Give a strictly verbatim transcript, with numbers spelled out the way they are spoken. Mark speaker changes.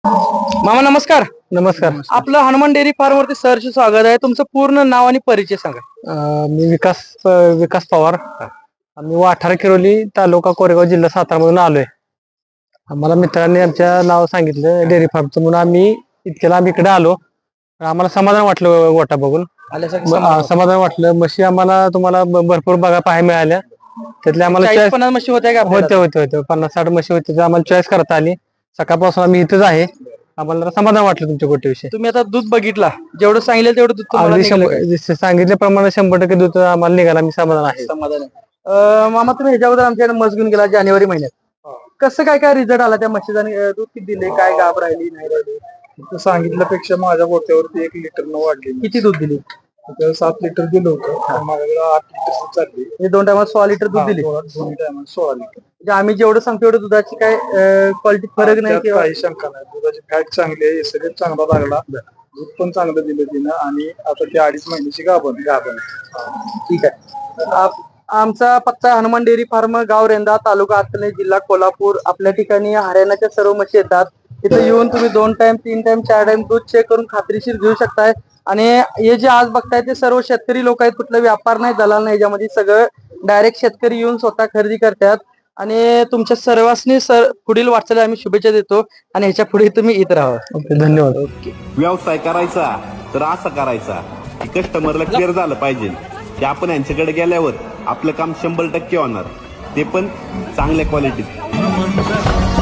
Speaker 1: मामा नमस्कार.
Speaker 2: नमस्कार.
Speaker 1: आपलं हनुमान डेअरी फार्म वरती सहर्ष स्वागत आहे. तुमचं पूर्ण नाव आणि परिचय सांगा.
Speaker 2: अं, मी विकास अं, विकास पवार. आम्ही वाठार किरोली तालुका कोरेगाव जिल्हा सातारा मधून आलोय. आम्हाला मित्रांनी आमच्या नाव सांगितलं डेअरी फार्मचं म्हणून आम्ही इतक्याला आम्ही इकडे आलो. आम्हाला समाधान वाटलं गोटा बघून.
Speaker 1: आल्यासारखं
Speaker 2: म-
Speaker 1: समाधान
Speaker 2: अं, समाधान वाटलं. म्हशी आम्हाला तुम्हाला ब- भरपूर बघा पाहायला मिळाल्या. त्यातल्या आम्हाला
Speaker 1: चाळीस
Speaker 2: चॉईस
Speaker 1: पन्नास म्हशी होत्या का
Speaker 2: होते
Speaker 1: आपल्याला?
Speaker 2: होते होते पन्नास साठ म्हशी होते त्या आम्हाला चॉईस करता आली. सकाळपासून आम्ही इथंच आहे. आम्हाला जरा समाधान वाटलं तुमच्या गोट्याविषयी.
Speaker 1: तुम्ही आता दूध बघितला, जेवढं सांगितलं तेवढं दूध तुम्हाला
Speaker 2: अगदी
Speaker 1: निघालं
Speaker 2: शंभर
Speaker 1: काय?
Speaker 2: जसं सांगितल्याप्रमाणे शंभर टक्के दूध आम्हाला निघाला. मी समाधान आहे.
Speaker 1: समाधान आहे. अं, मामा तुम्ही ह्याच्याबद्दल आमच्याकडे मस घेऊन गेला जानेवारी महिन्यात. कसं काय काय रिझल्ट आला त्या म्हशीचा आणि, अं, दूध किती दिले, काय गाभ राहिली नाही राहिली?
Speaker 3: तू सांगितल्यापेक्षा माझ्या गोट्यावरती एक लिटर न वाढली.
Speaker 1: किती दूध दिली?
Speaker 3: त्याच्यावर सात लिटर दिलं होतं, माझ्याकडे आठ लिटर चालली.
Speaker 1: हे दोन टायमात सोळा लिटर दूध दिली.
Speaker 3: दोन्ही टायमात सोळा लिटर.
Speaker 1: म्हणजे आम्ही जेवढं सांगतो तेवढं दुधाची काय क्वालिटी फरक नाही
Speaker 3: त्यात
Speaker 1: किंवा
Speaker 3: काही शंका नाही. दुधाची फॅट चांगली आहे, एस चांगला लागला, दूध पण चांगलं दिलं तिनं आणि आता ती अडीच महिन्याची गाभण गाभण
Speaker 1: ठीक आहे. आप- आमचा पत्ता हनुमान डेअरी फार्म, गाव रेंदा, तालुका हातकणंगले, जिल्हा कोल्हापूर. आपल्या ठिकाणी हरियाणाच्या सर्व म्हशी येतात. तिथे येऊन तुम्ही दोन टाइम तीन टाइम चार टाइम दूध चेक करून खात्रीशीर घेऊ शकताय. आणि हे जे आज बघताय ते सर्व शेतकरी लोक आहेत. कुठला व्यापार नाही, दलाल नाही. याच्यामध्ये सगळं डायरेक्ट शेतकरी येऊन स्वतः खरेदी करतात. आणि तुमच्या सर्वांनी सर पुढील वाटचाली आम्ही शुभेच्छा देतो. आणि ह्याच्या पुढे तुम्ही येत राहा.
Speaker 2: ओके, धन्यवाद.
Speaker 1: ओके.
Speaker 4: व्यवसाय करायचा तर असा करायचा की कस्टमरला क्लिअर झालं पाहिजे की आपण यांच्याकडे गेल्यावर आपलं काम शंभर टक्के होणार, ते पण चांगल्या क्वालिटीत.